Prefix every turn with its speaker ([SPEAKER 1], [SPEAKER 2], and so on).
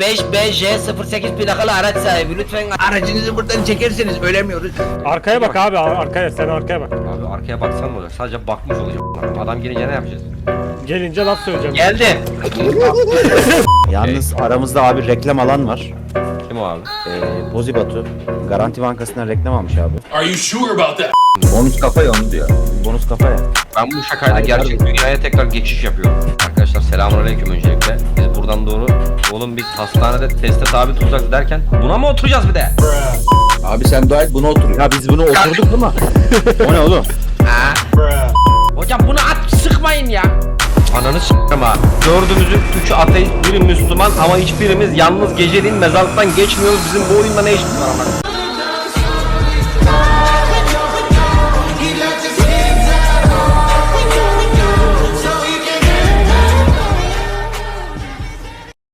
[SPEAKER 1] 5BJ08 plakalı araç sahibi. Lütfen aracınızı buradan çekerseniz ölemiyoruz.
[SPEAKER 2] Arkaya bak abi, arkaya, sen arkaya bak.
[SPEAKER 3] Abi arkaya baksan ne olacak? Sadece bakmış olacağım. Adam gelince ne yapacağız?
[SPEAKER 2] Gelince laf söyleyeceğim.
[SPEAKER 3] Geldi.
[SPEAKER 4] Yalnız aramızda abi reklam alan var.
[SPEAKER 3] Kim o abi?
[SPEAKER 4] Bozi Batu. Garanti Bankası'ndan reklam almış abi.
[SPEAKER 5] Are you sure about that?
[SPEAKER 6] Bonus kafa ya onu diyor.
[SPEAKER 4] Bonus kafa ya.
[SPEAKER 3] Ben bu şakayla gerçek dünyaya tekrar geçiş yapıyorum. Arkadaşlar selamünaleyküm öncelikle. Biz buradan doğru oğlum biz hastanede teste tabi tutacağız derken buna mı oturacağız bir de?
[SPEAKER 6] Abi sen dua et buna otur.
[SPEAKER 4] Ya biz bunu oturduk ama. O ne oğlum?
[SPEAKER 1] Hocam bunu at sıkmayın ya.
[SPEAKER 3] Ananı s***im ha. Dördümüzün üçü ateist, biri Müslüman ama hiçbirimiz yalnız geceliğin mezarlıktan geçmiyoruz. Bizim bu oyunda ne işimiz var ama?